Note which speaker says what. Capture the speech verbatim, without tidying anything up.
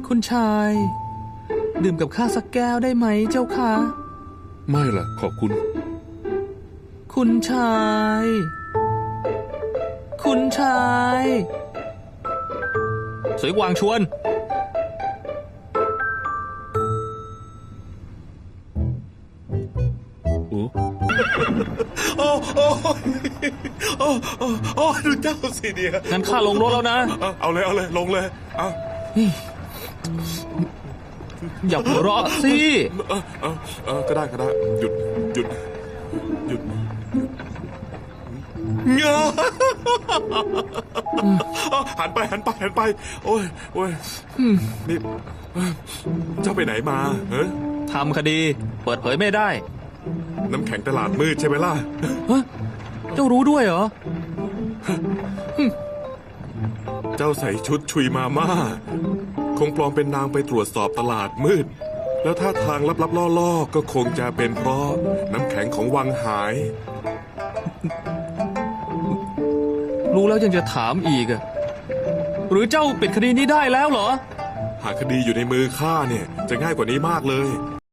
Speaker 1: คุณชายดื่มกับข้าสักแก้วได้ไหมเจ้าคะ
Speaker 2: ไม่ล่ะขอบคุณ
Speaker 1: คุณชายคุณชายสวยกวางชวน
Speaker 2: โอ้โอ้โอ้โอ้โอ้ดูเจ้าสิเดีย
Speaker 1: งั้นข้าลงรถแล้วนะ
Speaker 2: เอาเลยเอาเลยลงเลยเอา
Speaker 1: อย่าหัวเราะสิ
Speaker 2: เออเออเออก็ได้ก็ได้หยุดหยุดหยุดเงาหันไปหันไปหันไปโอ้ยโอ้ยนี่เจ้าไปไหนมาเฮ้ย
Speaker 1: ทำคดีเปิดเผยไม่ได้
Speaker 2: น้ำแข็งตลาดมืดใช่ไหมล่ะ
Speaker 1: ฮะเจ้ารู้ด้วยเหรอ
Speaker 2: เจ้าใส่ชุดชุยมาม่าคงปลอมเป็นนางไปตรวจสอบตลาดมืดแล้วท่าทางลับๆล่อๆก็คงจะเป็นเพราะน้ำแข็งของวังหาย
Speaker 1: รู้แล้วยังจะถามอีกอะหรือเจ้าปิดคดีนี้ได้แล้วเหรอ
Speaker 2: หากคดีอยู่ในมือข้าเนี่ยจะง่ายกว่านี้มากเลย